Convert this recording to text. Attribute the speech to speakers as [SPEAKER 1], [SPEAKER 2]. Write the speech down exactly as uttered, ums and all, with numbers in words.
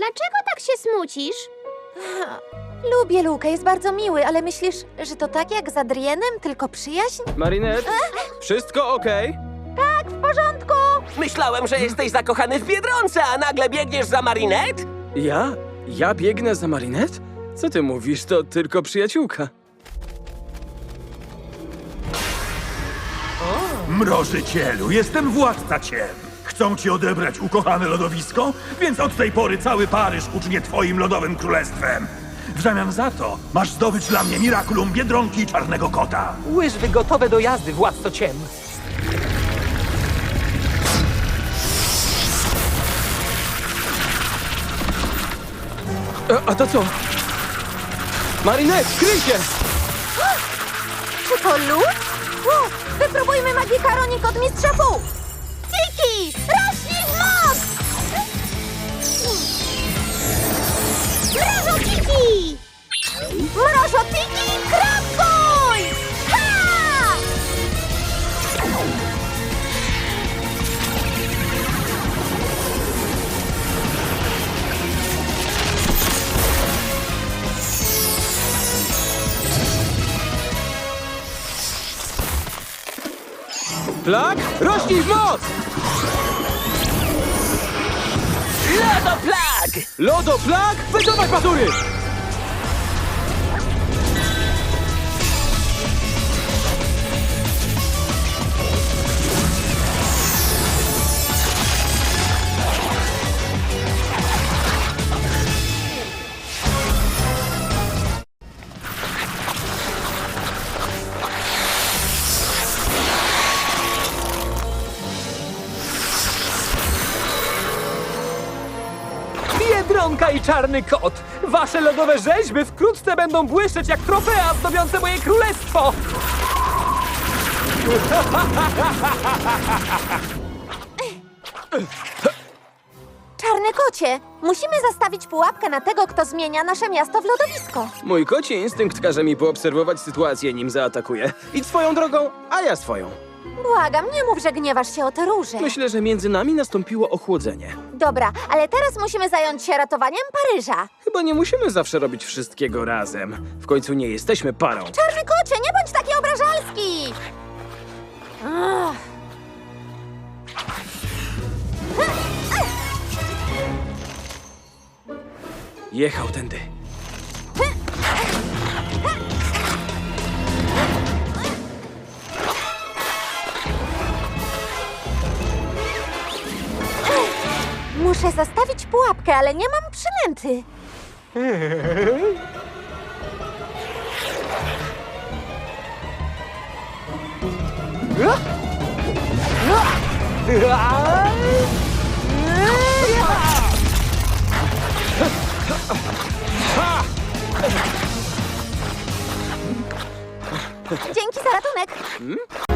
[SPEAKER 1] Dlaczego tak się smucisz?
[SPEAKER 2] Lubię Lukę, jest bardzo miły, ale myślisz, że to tak jak z Adrienem, tylko przyjaźń?
[SPEAKER 3] Marinette, wszystko okej?
[SPEAKER 2] Tak, w porządku!
[SPEAKER 4] Myślałem, że jesteś zakochany w Biedronce, a nagle biegniesz za Marinette?
[SPEAKER 3] Ja? Ja biegnę za Marinette? Co ty mówisz? To tylko przyjaciółka.
[SPEAKER 5] Mrożycielu, jestem władca ciem. Chcą ci odebrać ukochane lodowisko, więc od tej pory cały Paryż ucznie twoim lodowym królestwem. W zamian za to masz zdobyć dla mnie Miraculum Biedronki i Czarnego Kota.
[SPEAKER 4] Łyżwy gotowe do jazdy, władco ciem.
[SPEAKER 3] E, a to co? Marinette, kryj się!
[SPEAKER 2] Czy to lód? U, wypróbujmy Magikaronik od mistrza Fu! Tiki! Rośnij w moc!
[SPEAKER 1] Mrożotiki!
[SPEAKER 2] Mrożotiki, krapuj! Ha!
[SPEAKER 3] Plak, rośnij w moc!
[SPEAKER 4] Lodoplag!
[SPEAKER 3] Lodoplak, wycofaj patury!
[SPEAKER 4] Biedronka i Czarny Kot! Wasze lodowe rzeźby wkrótce będą błyszczeć jak trofea zdobiące moje królestwo!
[SPEAKER 2] Czarny kocie, musimy zastawić pułapkę na tego, kto zmienia nasze miasto w lodowisko.
[SPEAKER 3] Mój koci instynkt każe mi poobserwować sytuację, nim zaatakuję. Idź swoją drogą, a ja swoją.
[SPEAKER 2] Błagam, nie mów, że gniewasz się o te róże.
[SPEAKER 3] Myślę, że między nami nastąpiło ochłodzenie.
[SPEAKER 2] Dobra, ale teraz musimy zająć się ratowaniem Paryża.
[SPEAKER 3] Chyba nie musimy zawsze robić wszystkiego razem. W końcu nie jesteśmy parą.
[SPEAKER 2] Czarny kocie, nie bądź taki obrażalski! Ach.
[SPEAKER 3] Jechał tędy.
[SPEAKER 2] Muszę zastawić pułapkę, ale nie mam przynęty. Dzięki za ratunek.